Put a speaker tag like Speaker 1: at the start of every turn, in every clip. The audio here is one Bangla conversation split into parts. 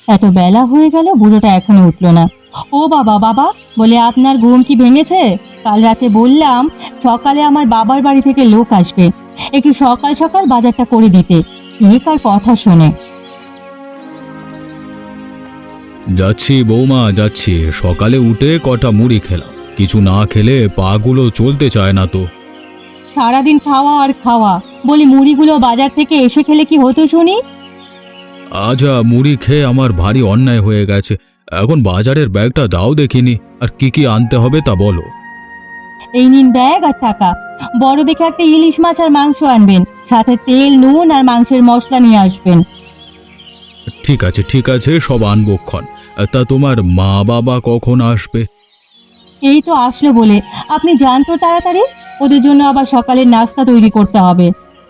Speaker 1: এত বেলা হয়ে গেল, বুড়োটা এখনো উঠলো না। ও বাবা, বাবা, বলে আপনার ঘুম কি ভেঙেছে? কাল রাতে বললাম সকালে আমার বাবার বাড়ি থেকে লোক আসবে, একটু সকাল সকাল বাজারটা করে দিতে। কার কথা শোনে।
Speaker 2: যাচ্ছি বৌমা, যাচ্ছি। সকালে উঠে কটা মুড়ি খেলাম, কিছু না খেলে পাগুলো চলতে চায় না তো।
Speaker 1: সারাদিন খাওয়া আর খাওয়া, বলি মুড়িগুলো বাজার থেকে এসে খেলে কি হতো শুনি?
Speaker 2: আচ্ছা, মুড়ি খেয়ে আমার ভারী অন্যায় হয়ে গেছে। এখন বাজারের ব্যাগটা দাও দেখিনি, আর কি কি আনতে হবে তা বলো।
Speaker 1: এই নিন ব্যাগ আর টাকা। বড় দেখে একটা ইলিশ মাছ আর মাংস আনবেন, সাথে তেল, নুন আর মাংসের মশলা নিয়ে আসবেন।
Speaker 2: ঠিক আছে, ঠিক আছে, সব আনবক্ষণ। তা তোমার মা বাবা কখন আসবে?
Speaker 1: এই তো আসলো বলে। আপনি যান তো তাড়াতাড়ি, ওদের জন্য আবার সকালের নাস্তা তৈরি করতে হবে।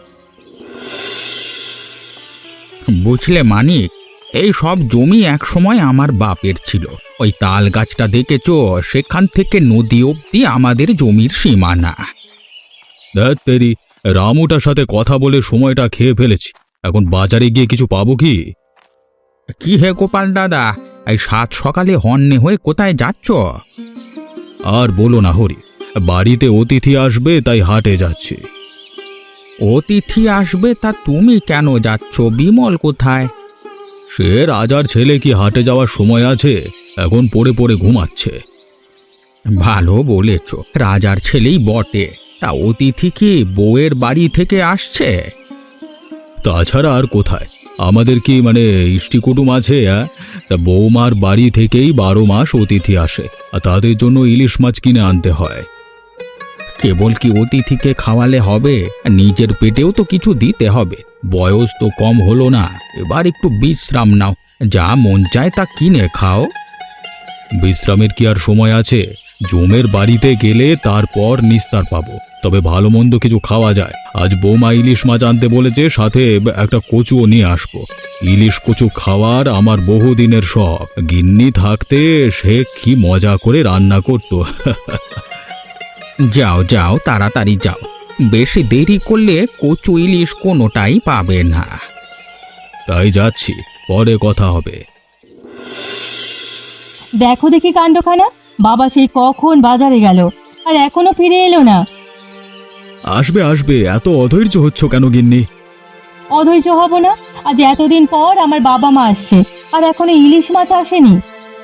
Speaker 3: বুঝলে মানিক, এই সব জমি একসময় আমার বাপের ছিল। ওই তাল গাছটা দেখেছো, সেখান থেকে নদী অবধি আমাদের জমির সীমানা।
Speaker 2: ধ্যাৎ তেরি, রামুটার সাথে কথা বলে সময়টা খেয়ে ফেলেছি। এখন বাজারে গিয়ে কিছু পাবো কি?
Speaker 3: কি হে গোপাল দাদা, এই সাত সকালে হন্যে হয়ে কোথায় যাচ্ছ?
Speaker 2: আর বলো না হরি, বাড়িতে অতিথি আসবে তাই হাটে যাচ্ছি।
Speaker 3: অতিথি আসবে তা তুমি কেন যাচ্ছ? বিমল কোথায়?
Speaker 2: সে রাজার ছেলে, কি হাটে যাওয়ার সময় আছে? এখন পড়ে পড়ে ঘুমাচ্ছে।
Speaker 3: ভালো বলেছ, রাজার ছেলেই বটে। তা অতিথি কি বউয়ের বাড়ি থেকে আসছে?
Speaker 2: তাছাড়া আর কোথায়? আমাদের কি ইষ্টি কুটুম আছে? তা বৌমার বাড়ি থেকেই 12 মাস অতিথি আসে, আর তাদের জন্য ইলিশ মাছ কিনে আনতে হয়।
Speaker 3: কেবল কি অতিথিকে খাওয়ালে হবে? নিজের পেটেও তো কিছু দিতে হবে। বয়স তো কম হলো না, এবার একটু বিশ্রাম নাও। যা মন চায় তা কিনে খাও।
Speaker 2: বিশ্রামের কি আর সময় আছে? জমের বাড়িতে গেলে তারপর নিস্তার পাবো, তবে ভালো মন্দ কিছু খাওয়া যায়। আজ বৌমা ইলিশ মাছ আনতে বলেছে, সাথে একটা কচুও নিয়ে আসবো। ইলিশ কচু খাওয়ার আমার বহুদিনের শখ। গিন্নি থাকতে সে কি মজা করে রান্না করতো।
Speaker 3: যাও যাও, তাড়াতাড়ি যাও। বেশি দেরি করলে কচু ইলিশ কোনোটাই পাবে না।
Speaker 2: তাই যাচ্ছি, পরে কথা হবে।
Speaker 1: দেখো দেখি কাণ্ডখানা, বাবা সেই কখন বাজারে গেল আর এখনো ফিরে এলো না।
Speaker 2: আসবে আসবে, এত অধৈর্য হচ্ছ কেন গিন্নি?
Speaker 1: অধৈর্য হব না? আজ এতদিন পর আমার বাবা মা আসছে, আর এখনো ইলিশ মাছ আসেনি।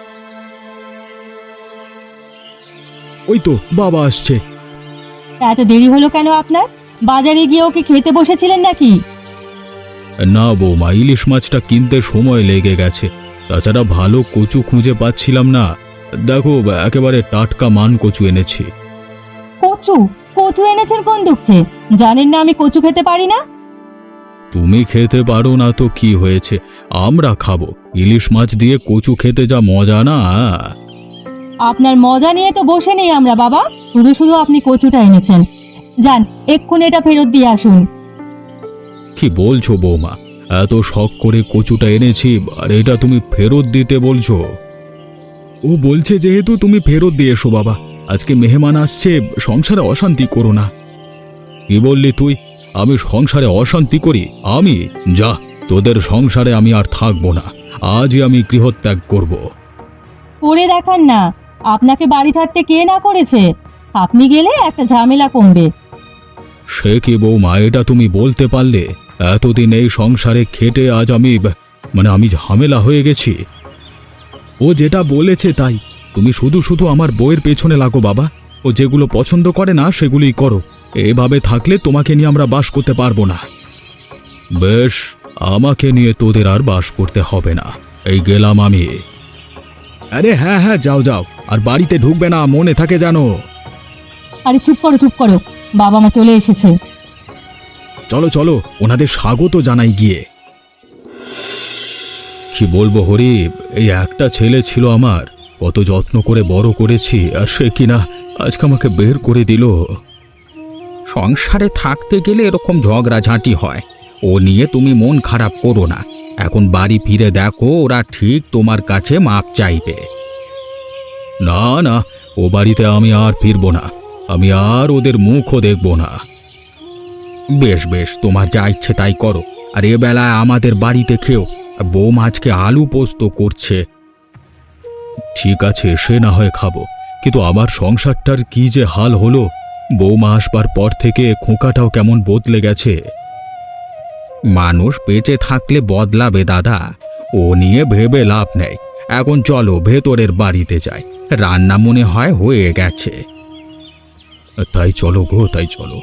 Speaker 2: ওই তো বাবা আসছে।
Speaker 1: এত দেরি হলো কেন আপনার? বাজারে গিয়ে ওকে খেতে বসেছিলেন নাকি?
Speaker 2: না বৌমা, ইলিশ মাছটা কিনতে সময় লেগে গেছে। তাছাড়া ভালো কচু খুঁজে পাচ্ছিলাম না। দেখো, একেবারে টাটকা মান কচু এনেছি।
Speaker 1: কচু? কচু এনেছেন কোন দুঃখে? জানেন না আমি কচু খেতে পারি না?
Speaker 2: তুমি খেতে পারো না তো কি হয়েছে, আমরা খাবো। ইলিশ মাছ দিয়ে কচু খেতে যা মজা না।
Speaker 1: আপনার মজা নিয়ে তো বসে নেই আমরা বাবা, শুধু শুধু আপনি কচুটা এনেছেন। যান, এক্ষুনি এটা ফেরত দিয়ে আসুন।
Speaker 2: কি বলছো বৌমা? এত শখ করে কচুটা এনেছি, আর এটা তুমি ফেরত দিতে বলছো? ও বলছে যেহেতু তুমি ফেরত দিয়ে এসো বাবা, আজকে মেহমান আসছে, সংসারে অশান্তি করো না। কি বললি তুই? আমি সংসারে অশান্তি করি? আমি? যা, তোদের সংসারে আমি আর থাকবো না। আজই আমি গৃহত্যাগ করব।
Speaker 1: করে দেখান না, আপনাকে বাড়ি ছাড়তে কে না করেছে? আপনি গেলে একটা ঝামেলা কমবে।
Speaker 2: সে কি বৌমা, এটা তুমি বলতে পারলে? এতদিন এই সংসারে খেটে আজ আমি ঝামেলা হয়ে গেছি। ও যেটা বলেছে তাই। তুমি শুধু শুধু আমার বউয়ের পেছনে লাগো বাবা। ও যেগুলো পছন্দ করে না সেগুলোই করো। এভাবে থাকলে তোমাকে নিয়ে আমরা বাস করতে পারবো না। বেশ, আমাকে নিয়ে তোদের আর বাস করতে হবে না। এই গেলাম আমি। আরে হ্যাঁ হ্যাঁ, যাও যাও, আর বাড়িতে ঢুকবে না, মনে থাকে জানো।
Speaker 1: আরে চুপ করো চুপ করো, বাবা মা চলে এসেছে।
Speaker 2: চলো চলো, ওনাদের স্বাগত জানাই গিয়ে। কি বলবো হরি, এই একটা ছেলে ছিল আমার, কত যত্ন করে বড় করেছি, আর সে কিনা আজকে আমাকে বের করে দিল।
Speaker 3: সংসারে থাকতে গেলে এরকম ঝগড়াঝাঁটি হয়। ও নিয়ে তুমি মন খারাপ করো না। এখন বাড়ি ফিরে দেখো, ওরা ঠিক তোমার কাছে মাপ চাইবে।
Speaker 2: না না, ও বাড়িতে আমি আর ফিরবো না। আমি আর ওদের মুখও দেখব না।
Speaker 3: বেশ বেশ, তোমার যা ইচ্ছে তাই করো। আর এ বেলায় আমাদের বাড়িতে খেও, বৌমা আজকে আলু পোস্ত করছে।
Speaker 2: ঠিক আছে, সে না হয় খাবো, কিন্তু আমার সংসারটার কি যে হাল হলো! বৌমা আসবার পর থেকে খোঁকাটাও কেমন বদলে গেছে।
Speaker 3: মানুষ বেঁচে থাকলে বদলাবে দাদা, ও নিয়ে ভেবে লাভ নেই। এখন চলো ভেতরের বাড়িতে যাই, রান্না মনে হয় হয়ে গেছে।
Speaker 2: তাই চলো গো, তাই চলো।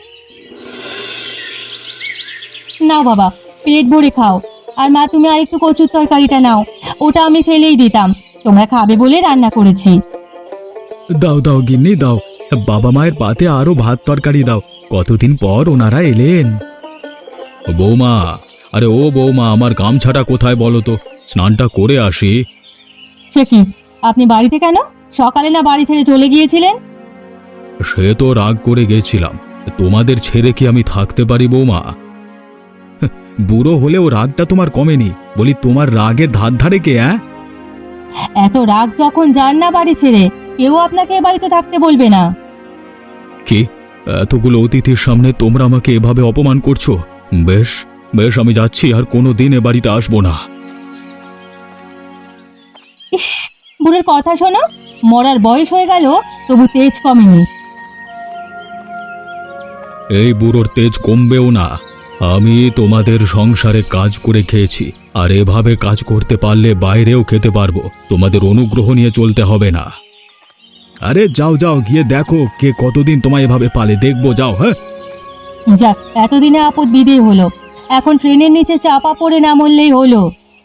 Speaker 1: নাও বাবা, পেট ভরে খাও। আর মা, তুমি আরেকটু কচুর তরকারিটা নাও, ওটা আমি ফেলেই দিতাম, তোমরা খাবে বলে রান্না করেছি।
Speaker 2: দাও দাও গিন্নি দাও, বাবা মায়ের পাতে আরো ভাত তরকারি দাও, কতদিন পর ওনারা এলেন। বৌমা, আরে ও বৌমা, আমার গামছাটা কোথায় বলো তো, স্নানটা করে আসি।
Speaker 1: সে কি, আপনি বাড়িতে কেন? সকালে না বাড়ি ছেড়ে চলে গিয়েছিলেন?
Speaker 2: সে তো রাগ করে গেছিলাম, তোমাদের ছেড়ে কি আমি থাকতে পারি বৌমা? বুড়ো হলেও রাগটা তোমার কমেনি, বলি তোমার রাগের ধার ধারে কে?
Speaker 1: এত রাগ যখন যান না বাড়ি ছেড়ে, কেউ আপনাকে এ বাড়িতে থাকতে বলবে না।
Speaker 2: কি, এতগুলো অতিথির সামনে তোমরা আমাকে এভাবে অপমান করছো? বেশ বেশ, আমি যাচ্ছি, আর কোনো দিন এ বাড়িতে আসবো না।
Speaker 1: ইস, বুড়োর কথা শোনো, মরার বয়স হয়ে গেল তবু তেজ কমেনি।
Speaker 2: এই বুড়োর তেজ কমবেও না। আমি তোমাদের সংসারে কাজ করে খেয়েছি, আর এভাবে কাজ করতে পারলে বাইরেও খেতে পারবো, তোমাদের অনুগ্রহ নিয়ে চলতে হবে না। আরে যাও যাও, গিয়ে দেখো কে কতদিন তোমায় এভাবে পালে, দেখবো, যাও। হ্যাঁ,
Speaker 1: যাক, এতদিনে আপদ বিদেয় হলো, এখন ট্রেনের নিচে চাপা পড়ে না মরলেই হলো।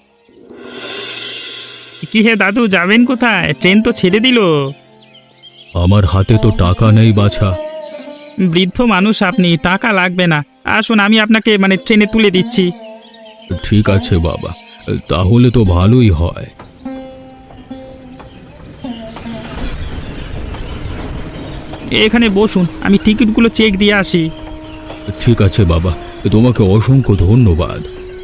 Speaker 4: কি হে দাদু, যাবেন কোথায়? ট্রেন তো ছেড়ে দিল।
Speaker 2: আমার হাতে তো টাকা নেই বাছা।
Speaker 4: বৃদ্ধ মানুষ আপনি, টাকা লাগবে না। আসুন, আমি আপনাকে ট্রেনে তুলে দিচ্ছি।
Speaker 2: ঠিক আছে বাবা, তাহলে তো ভালোই হয়।
Speaker 4: এখানে বসুন, আমি টিকিটগুলো চেক দিয়ে আসি।
Speaker 2: ঠিক আছে বাবা, তোমাকে অসংখ্য ধন্যবাদ।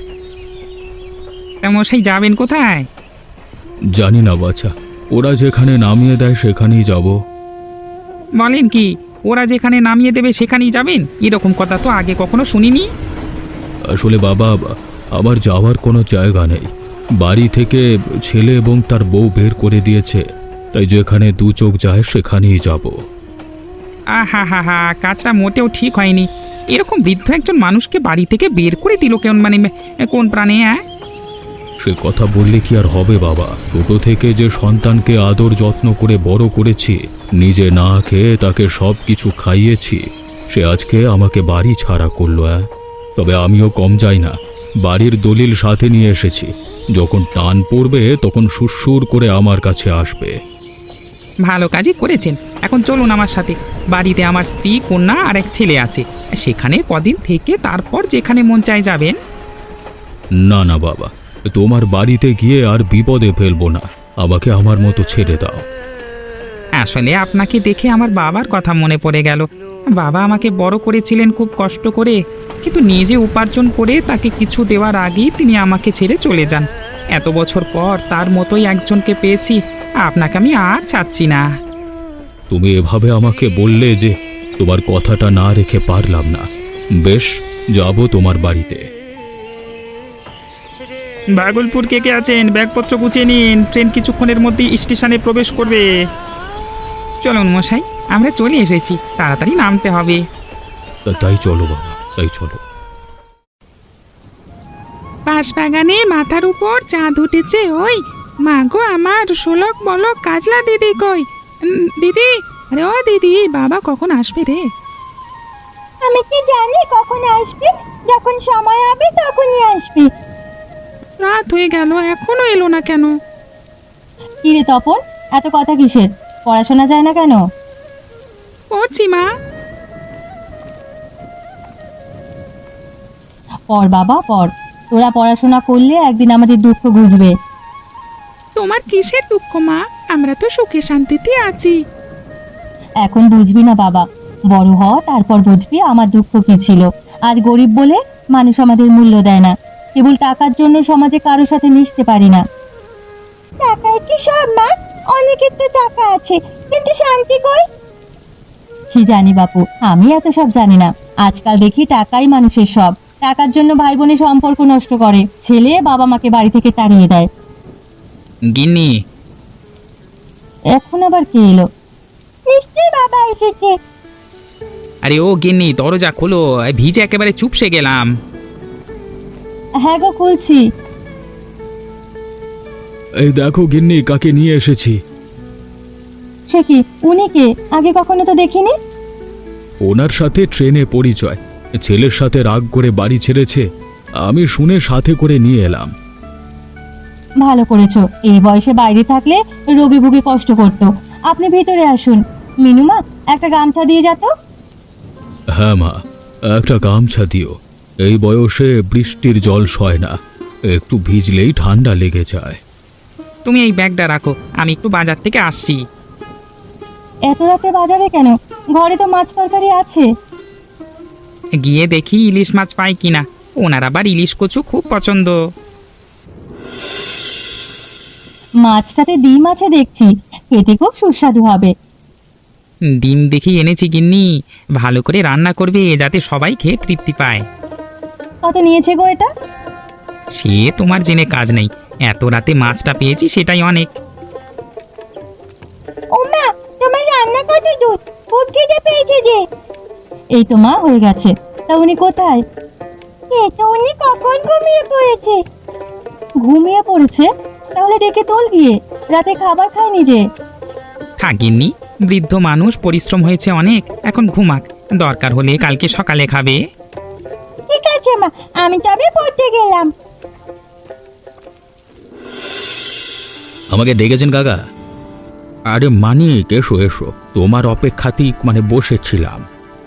Speaker 4: তা মশাই, যাবেন কোথায়?
Speaker 2: জানি না বাছা, ওরা যেখানে নামিয়ে দেয় সেখানেই যাব।
Speaker 4: বলেন কি, ওরা যেখানে নামিয়ে দেবে সেখানেই যাবেন? এরকম কথা তো আগে কখনো শুনিনি।
Speaker 2: আসলে বাবা, আমার যাওয়ার কোনো জায়গা নেই। বাড়ি থেকে ছেলে এবং তার বউ বের করে দিয়েছে, তাই যেখানে দু চোখ যায় সেখানেই যাব।
Speaker 4: আহা হা হা, কাজটা মোটেও ঠিক হয়নি। এরকম বৃদ্ধ একজন মানুষকে বাড়ি থেকে বের করে দিল কেমন, কোন প্রাণে?
Speaker 2: সে কথা বললে কি আর হবে বাবা? ছোট থেকে যে সন্তানকে আদর যত্ন করে বড় করেছি, নিজে না খেয়ে তাকে সব কিছু খাইয়েছি, সে আজকে আমাকে বাড়ি ছাড়া করলো। তবে আমিও কম যাই না, বাড়ির দলিল সাথে নিয়ে এসেছি, যখন টান পড়বে তখন সুরসুর করে আমার কাছে আসবে।
Speaker 4: ভালো কাজই করেছেন। এখন চলুন আমার সাথে। বাড়িতে আমার স্ত্রী, কন্যা আর এক ছেলে আছে, সেখানে কদিন থেকে তারপর যেখানে মন চায় যাবেন।
Speaker 2: না না বাবা, তোমার বাড়িতে গিয়ে আর বিপদে ফেলবো না, আমাকে আমার মতো ছেড়ে দাও।
Speaker 4: আসলে আপনাকে দেখে আমার বাবার কথা মনে পড়ে গেল। বাবা আমাকে বড় করেছিলেন খুব কষ্ট করে, কিন্তু নিজে উপার্জন করে তাকে কিছু দেওয়ার আগেই তিনি আমাকে ছেড়ে চলে যান। এত বছর পর তার মতোই একজনকে পেয়েছি, আপনাকে আমি আর ছাড়ছি না।
Speaker 2: তুমি এভাবে আমাকে বললে যে তোমার কথাটা না রেখে পারলাম না। বেশ, যাব তোমার বাড়িতে।
Speaker 4: ভাগলপুর কে কে আছেন? ব্যাগপত্র গুছিয়ে নিন, ট্রেন কিছুক্ষণের মধ্যেই স্টেশনে প্রবেশ করবে। চলুন মশাই, আমরা চলে এসেছি, তাড়াতাড়ি নামতে হবে।
Speaker 2: তাই চলো বাবা, তাই চলো।
Speaker 4: বাঁশবাগানে মাথার উপর চাঁদ উঠেছে, ওই মা গো আমার, শোলক বলক কাজলা দিদি কই? দিদি, আরে ও দিদি, বাবা কখন আসবে রে?
Speaker 1: আমি কি জানি কখন আসবে? যখন সময় হবে তখনই আসবে।
Speaker 4: রাত হয়ে গেল, এখনো এলো না কেন?
Speaker 1: কি রে তপন, এত কথা কিসের? পড়াশোনা যায় না কেন?
Speaker 4: পড়ছি মা।
Speaker 1: পড় বাবা পড়, তোরা পড়াশোনা করলে একদিন আমাদের দুঃখ বুঝবে।
Speaker 4: তোমার কিসের দুঃখ মা? আমরা তো সুখে শান্তিতে আছি।
Speaker 1: এখন বুঝবি না বাবা, বড় হ, তারপর বুঝবি আমার দুঃখ কি ছিল। আজ গরিব বলে মানুষ আমাদের মূল্য দেয় না, কেবল টাকার জন্য সমাজে কারোর সাথে মিশতে পারি না। টাকায় কি সব মা? অনেকের তো টাকা আছে, কিন্তু শান্তি কই? কি জানি বাপু, আমি এত সব জানি না। আজকাল দেখি টাকাই মানুষের সব, টাকার জন্য ভাই বোনের সম্পর্ক নষ্ট করে, ছেলে বাবা মাকে বাড়ি থেকে তাড়িয়ে দেয়।
Speaker 4: গিন্নি,
Speaker 1: এখন আবার কে এলো? নিশ্চয়ই বাবা এসেছে।
Speaker 4: আরে ও গিন্নি, দরজা খোলো, ভিজে একেবারে চুপসে গেলাম।
Speaker 1: হ্যাঁ গো, খুলছি।
Speaker 2: এই দেখো গিন্নি, কাকে নিয়ে এসেছি।
Speaker 1: সে কি, উনি কে? আগে কখনো তো দেখিনি।
Speaker 2: ওনার সাথে ট্রেনে পরিচয়, ছেলের সাথে রাগ করে বাড়ি ছেড়েছে, আমি শুনে সাথে করে নিয়ে এলাম।
Speaker 1: ভালো করেছো, এই বয়সে বাইরে থাকলে রোগী ভুগে কষ্ট করতো। আপনি ভিতরে আসুন। মিনুমা, একটা গামছা দিয়ে যা তো।
Speaker 2: হ্যাঁ মা, একটা গামছা দিও। এই বয়সে বৃষ্টির জল সয় না, একটু ভিজলেই ঠান্ডা লেগে যায়।
Speaker 4: তুমি এই ব্যাগটা রাখো, আমি একটু বাজার থেকে আসছি।
Speaker 1: এত রাতে বাজারে কেন? ঘরে তো মাছ তরকারি আছে।
Speaker 4: গিয়ে দেখি ইলিশ মাছ পাই কিনা। ওনার আবার ইলিশ কচু খুব পছন্দ।
Speaker 1: মাছটাতে ডিম আছে দেখছি, খেতে খুব সুস্বাদু হবে।
Speaker 4: ডিম দেখি এনেছি গিন্নি, ভালো করে রান্না করবে যাতে সবাই খেয়ে তৃপ্তি পায়।
Speaker 1: কত নিয়েছে গো এটা?
Speaker 4: সে তোমার জেনে কাজ নেই, এত রাতে মাছটা পেয়েছি সেটাই অনেক।
Speaker 1: ওমা, তোমার রান্না কত দূর? খুব খিদে পেয়েছে যে। এই তো মা, হয়ে গেছে। তা উনি কোথায়? তো উনি কখন ঘুমিয়ে পড়েছে। ঘুমিয়ে পড়েছে? তাহলে ডেকে তোল গিয়ে, রাতে খাবার খায়নি যে।
Speaker 4: থাকিনি, বৃদ্ধ মানুষ, পরিশ্রম হয়েছে অনেক, এখন ঘুমাক, দরকার হলে কালকে সকালে খাবে।
Speaker 1: ঠিক আছে মা, আমি তবে পড়তে গেলাম।
Speaker 2: আমাকে ডেকেছেন কাকা?
Speaker 3: আরে মানিক, এসো এসো, তোমার অপেক্ষাতেই বসেছিলাম।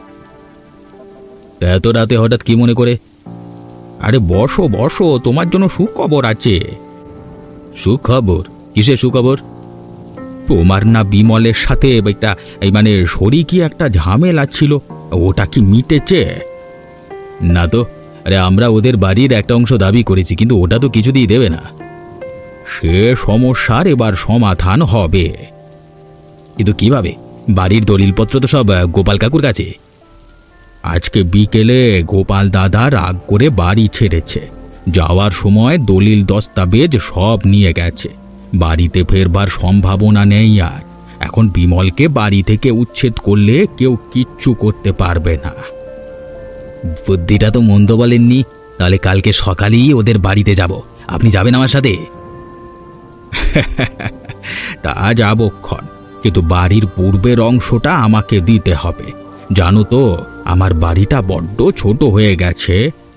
Speaker 2: এত রাতে হঠাৎ কি মনে করে?
Speaker 3: আরে বসো বসো, তোমার জন্য সুখবর আছে।
Speaker 2: সুখবর? কিসের সুখবর?
Speaker 3: তোমার না বিমলের সাথে একটা শরিকি একটা ঝামেলা ছিল, ওটা কি মিটেছে?
Speaker 2: না তো, আরে আমরা ওদের বাড়ির একটা অংশ দাবি করেছি, কিন্তু ওটা তো কিছুতেই দেবে না।
Speaker 3: সে সমস্যার এবার সমাধান হবে।
Speaker 2: কিন্তু কিভাবে? বাড়ির দলিলপত্র তো সব গোপাল কাকুর কাছে।
Speaker 3: আজকে বিকেলে গোপাল দাদা রাগ করে বাড়ি ছেড়েছে, যাওয়ার সময় দলিল দস্তাবেজ সব নিয়ে গেছে। বাড়িতে ফেরবার সম্ভাবনা নেই আর। এখন বিমলকে বাড়ি থেকে উচ্ছেদ করলে কেউ কিচ্ছু করতে পারবে না।
Speaker 2: বুদ্ধিটা তো মন্দ বলেননি। তাহলে কালকে সকালেই ওদের বাড়িতে যাব। আপনি যাবেন আমার সাথে?
Speaker 3: তা যাবক্ষণ, কিন্তু বাড়ির পূর্বের অংশটা আমাকে দিতে হবে। জানো তো, আমার বাড়িটা বড্ড ছোট হয়ে গেছে।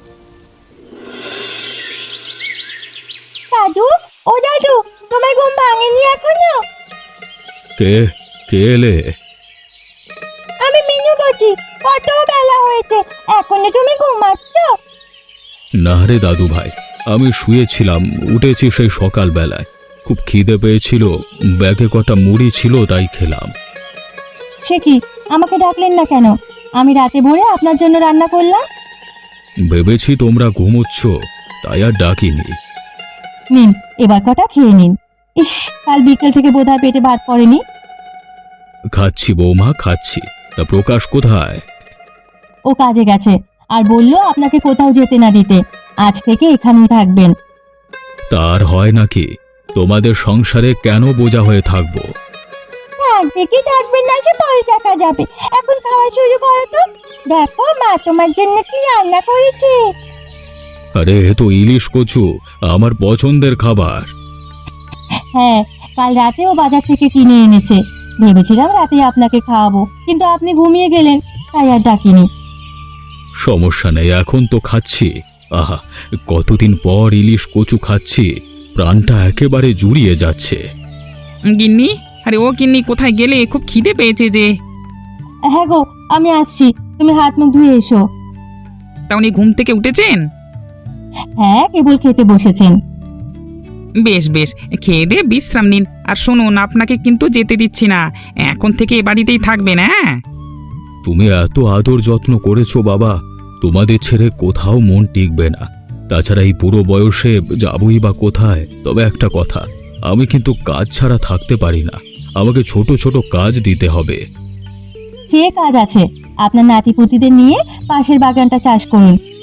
Speaker 1: দাদু, ও দাদু, তোমার ঘুম ভাঙেনি এখনো?
Speaker 2: কে কে এলে?
Speaker 1: আমি মিনু বলছি। কত বেলা হয়েছে, এখনো তুমি ঘুমাচ্ছ?
Speaker 2: না রে দাদু ভাই, আমি শুয়েছিলাম, উঠেছি সেই সকালবেলায়। খুব খিদে পেয়েছিল, ব্যাগে কটা মুড়ি ছিল, তাই খেলাম।
Speaker 1: সে কি, আমাকে ডাকলেন না কেন? আমি রাতে ভোরে আপনার জন্য রান্না করলাম।
Speaker 2: ভেবেছি তোমরা ঘুমোচ্ছ, তাই আর ডাকিনি।
Speaker 1: নিন, এবার কটা খেয়ে নিন। ইস, কাল বিকেল থেকে বোধহয় পেটে ভাত পড়েনি।
Speaker 2: খাচ্ছি বৌমা, খাচ্ছি। তা প্রকাশ কোথায়?
Speaker 1: ও কাজে গেছে, আর বললো আপনাকে কোথাও যেতে না দিতে। আজ থেকে এখানেই থাকবেন।
Speaker 2: তার হয় নাকি? তোমাদের সংসারে কেন বোঝা হয়ে থাকবো?
Speaker 1: থাকবে কি থাকবে না সে পরে দেখা যাবে। এখন খাওয়া শুরু করো তো। দেখো মা তোমার জন্য কি রান্না করেছে।
Speaker 2: আরে এ তো ইলিশ কচু, আমার পছন্দের খাবার।
Speaker 1: হ্যাঁ, কাল রাতেও বাজার থেকে কিনে এনেছে। ভেবেছিলাম রাতে আপনাকে খাওয়াবো, কিন্তু আপনি ঘুমিয়ে গেলেন, তাই আর ডাকিনি।
Speaker 2: সমস্যা নেই, এখন তো খাচ্ছি। আহা, কতদিন পর ইলিশ কচু খাচ্ছি, প্রাণটা একেবারে জুড়িয়ে যাচ্ছে।
Speaker 4: গিন্নি, আরে ও গিন্নি, কোথায় গেলে? খুব খিদে পেয়েছে যে।
Speaker 1: হ্যাঁ গো, আমি আসছি, তুমি হাত মুখ ধুয়ে এসো।
Speaker 4: তা উনি ঘুম থেকে উঠেছেন?
Speaker 1: হ্যাঁ, কেবল খেতে বসেছেন।
Speaker 4: বেশ বেশ, খেয়ে দিয়ে বিশ্রাম নিন। আর শুনুন, আপনাকে কিন্তু যেতে দিচ্ছি না, এখন থেকে এ বাড়িতেই থাকবেন। হ্যাঁ,
Speaker 2: তুমি এত আদর যত্ন করেছো বাবা, তোমাদের ছেড়ে কোথাও মন টিকবে না। তাছাড়া এই বুড়ো বয়সে যাবই বা কোথায়? তবে একটা কথা, আমি কিন্তু কাজ ছাড়া থাকতে পারি না। আমাকে ছোট ছোট কাজ দিতে হবে।
Speaker 1: সে কাজ আছে, আপনার নাতিপুতিদের নিয়ে পাশের বাগানটা চাষ করুন,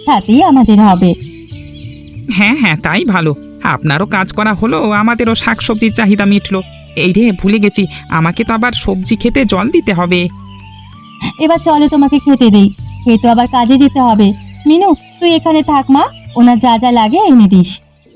Speaker 1: তাতেই আমাদের হবে।
Speaker 4: হ্যাঁ হ্যাঁ, তাই ভালো। আপনারও কাজ করা হলো, আমাদেরও শাকসবজির চাহিদা মিটলো। এই রে, ভুলে গেছি, আমাকে তো আবার সবজি খেতে জল দিতে হবে।
Speaker 1: এবার চলো তোমাকে খেতে দেই, খেয়ে তো আবার কাজে যেতে হবে। মিনু, তুই এখানে থাক মা, ওনার যা যা লাগে এনে দিস।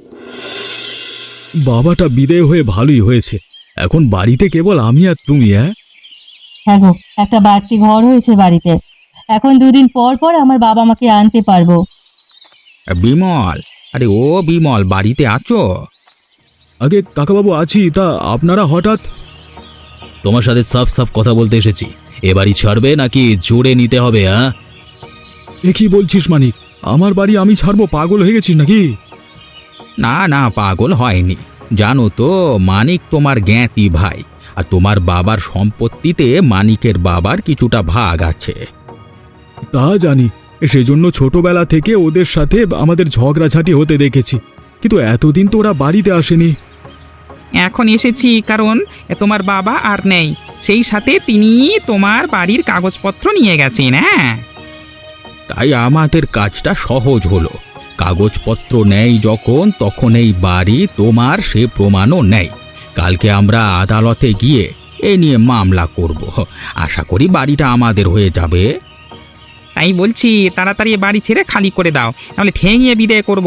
Speaker 2: বাবাটা বিদেয় হয়ে ভালোই হয়েছে। এখন বাড়িতে কেবল আমি আর তুমি।
Speaker 1: হ্যাঁ গো, একটা বাড়তি ঘর হয়েছে বাড়িতে। এখন 2 দিন পর পর আমার বাবা মাকে আনতে পারবো।
Speaker 3: বিমল, আরে ও বিমল, বাড়িতে আছো?
Speaker 2: আগে কাকাবাবু আছি, তা আপনারা হঠাৎ? তোমার সাথে সাফ সাফ কথা বলতে এসেছি। এ বাড়ি ছাড়বে নাকি জোরে নিতে হবে? এ কি বলছিস মানিক? আমার বাড়ি আমি ছাড়বো? পাগল হয়ে গেছিস নাকি?
Speaker 3: না না, পাগল হয়নি। জানো তো, মানিক তোমার জ্ঞাতি ভাই, আর তোমার বাবার সম্পত্তিতে মানিকের বাবার কিছুটা ভাগ আছে।
Speaker 2: তা জানি, সেজন্য ছোটবেলা থেকে ওদের সাথে আমাদের ঝগড়াঝাটি হতে দেখেছি, কিন্তু এতদিন তো ওরা বাড়িতে আসেনি।
Speaker 4: এখন এসেছি কারণ তোমার বাবা আর নেই, সেই সাথে তিনি তোমার বাড়ির কাগজপত্র নিয়ে গেছেন। হ্যাঁ,
Speaker 3: তাই আমাদের কাজটা সহজ হলো। কাগজপত্র নেই যখন, তখন এই বাড়ি তোমার, সে প্রমাণও নেই। কালকে আমরা আদালতে গিয়ে এ নিয়ে মামলা করব। আশা করি বাড়িটা আমাদের হয়ে যাবে।
Speaker 4: তাই বলছি, তাড়াতাড়ি এ বাড়ি ছেড়ে খালি করে দাও, নাহলে ঠেঙিয়ে বিদায় করব।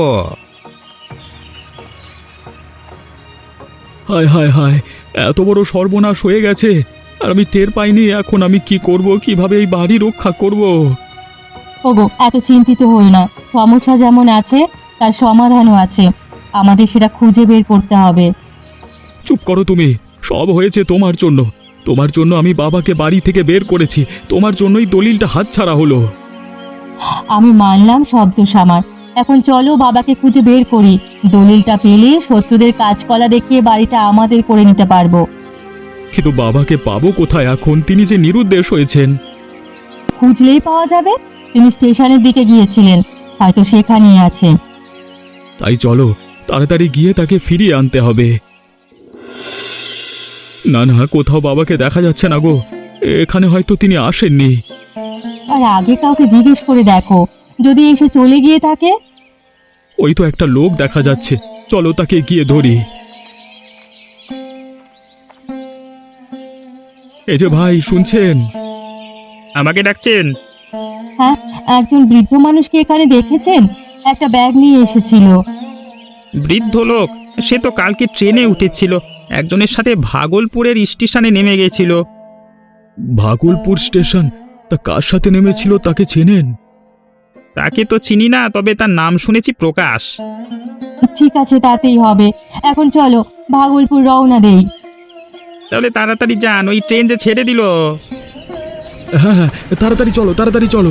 Speaker 2: হায় হায় হায়, এত বড় সর্বনাশ হয়ে গেছে আর আমি টের পাইনি। এখন আমি কি করব? কিভাবে এই বাড়ি রক্ষা করব?
Speaker 1: ওগো, এত চিন্তিত হই না। সমস্যা যেমন আছে তার সমাধানও আছে, আমাদের সেটা খুঁজে বের করতে হবে।
Speaker 2: চুপ করো তুমি। সব হয়েছে তোমার জন্য। তোমার জন্য আমি বাবাকে বাড়ি থেকে বের করেছি। তোমার জন্যই দলিলটা হাতছাড়া হলো।
Speaker 1: আমি মানলাম সব দোষ আমার। এখন চলো বাবাকে খুঁজে বের করি। দলিলটা পেলে শত্রুদের কাজকলা দেখিয়ে বাড়িটা আমাদের করে নিতে পারবো।
Speaker 2: কিন্তু বাবাকে পাবো কোথায় এখন? তিনি যে নিরুদ্দেশ হয়েছেন।
Speaker 1: খুঁজলেই পাওয়া যাবে। তিনি স্টেশনের দিকে গিয়েছিলেন, হয়তো সেখানেই আছে।
Speaker 2: তাই চলো, তাড়াতাড়ি গিয়ে তাকে ফিরিয়ে আনতে হবে। না না, কোথাও বাবাকে দেখা যাচ্ছে না গো। এখানে হয়তো তিনি আসেননি।
Speaker 1: আর আগে কাউকে জিজ্ঞেস করে দেখো, যদি এসে চলে গিয়ে থাকে।
Speaker 2: ওই তো একটা লোক দেখা যাচ্ছে, চলো তাকে গিয়ে ধরি। এই যে ভাই, শুনছেন?
Speaker 4: আমাকে ডাকছেন?
Speaker 1: হ্যাঁ, একজন বৃদ্ধ মানুষকে এখানে দেখেছেন, একটা ব্যাগ নিয়ে এসেছিল।
Speaker 4: বৃদ্ধ লোক? সে তো কালকে ট্রেনে উঠেছিল, একজনের সাথে ভাগলপুরের স্টেশনে নেমে গেছিল।
Speaker 2: ভাগলপুর স্টেশন? তা কার সাথে নেমেছিল তাকে চেনেন?
Speaker 4: তাকে তো চিনি না, তবে তার নাম শুনেছি প্রকাশ।
Speaker 1: ঠিক আছে, তাতেই হবে। এখন চলো ভাগলপুর রওনা দেই।
Speaker 4: তাহলে তাড়াতাড়ি যান, ওই ট্রেন যে ছেড়ে দিল।
Speaker 2: হ্যাঁ হ্যাঁ, তাড়াতাড়ি চলো, তাড়াতাড়ি চলো।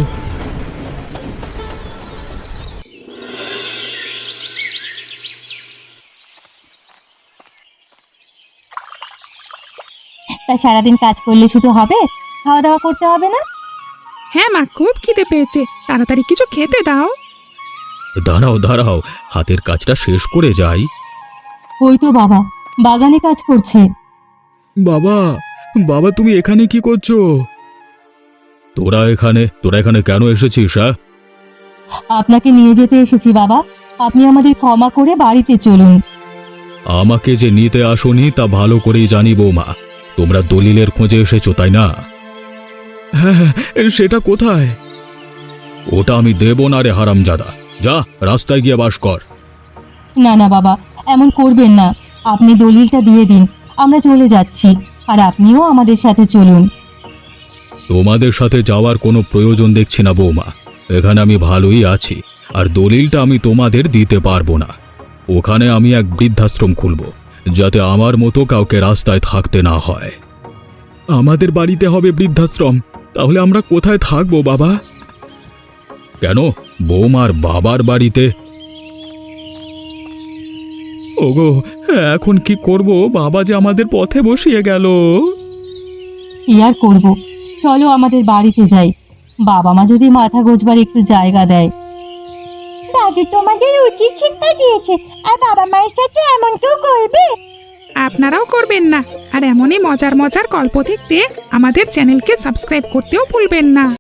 Speaker 1: তা সারাদিন কাজ করলে শুধু হবে? খাওয়া দাওয়া করতে হবে না?
Speaker 4: হ্যাঁ মা, খুব খিদে পেয়েছে, তাড়াতাড়ি কিছু খেতে দাও।
Speaker 2: দাঁড়াও দাঁড়াও, হাতের কাজটা শেষ করে যাই।
Speaker 1: ওই তো বাবা বাগানে কাজ করছে।
Speaker 2: বাবা, বাবা তুমি এখানে কি করছো? তোরা এখানে কেন এসেছিস?
Speaker 1: আপনাকে নিয়ে যেতে এসেছি বাবা, আপনি আমাদের ক্ষমা করে বাড়িতে চলুন।
Speaker 2: আমাকে যে নিতে আসোনি তা ভালো করেই জানি বৌমা। তোমরা দলিলের খোঁজে এসেছো, তাই না? হ্যাঁ হ্যাঁ, সেটা কোথায়? ওটা আমি দেব না রে হারামজাদা। যা, রাস্তায় গিয়ে বাস কর।
Speaker 1: না না বাবা, এমন করবেন না। আপনি দলিলটা দিয়ে দিন, আমরা চলে যাচ্ছি, আর আপনিও আমাদের সাথে চলুন।
Speaker 2: তোমাদের সাথে যাওয়ার কোনো প্রয়োজন দেখছি না বৌমা। এখানে আমি ভালোই আছি, আর দলিলটা আমি তোমাদের দিতে পারবো না। ওখানে আমি এক বৃদ্ধাশ্রম খুলব, যাতে আমার মতো কাউকে রাস্তায় থাকতে না হয়। আমাদের বাড়িতে হবে বৃদ্ধাশ্রম? তাহলে আমরা কোথায় থাকবো বাবা? কেন, বৌমার বাবার বাড়িতে? ওগো, এখন কি করব? বাবা যে আমাদের পথে বসিয়ে গেল।
Speaker 1: কি আর করবো, চলো আমাদের বাড়িতে যাই। বাবা মা যদি মাথা গোজবার একটু জায়গা দেয়। দাদু তোমাদের উচিত শিক্ষা দিয়েছে, আর বাবা মায়ের সাথে এমন কেউ করবে?
Speaker 4: আপনারাও করবেন না, আর এমনই মজার মজার গল্প দেখতে আমাদের চ্যানেলকে সাবস্ক্রাইব করতেও ভুলবেন না।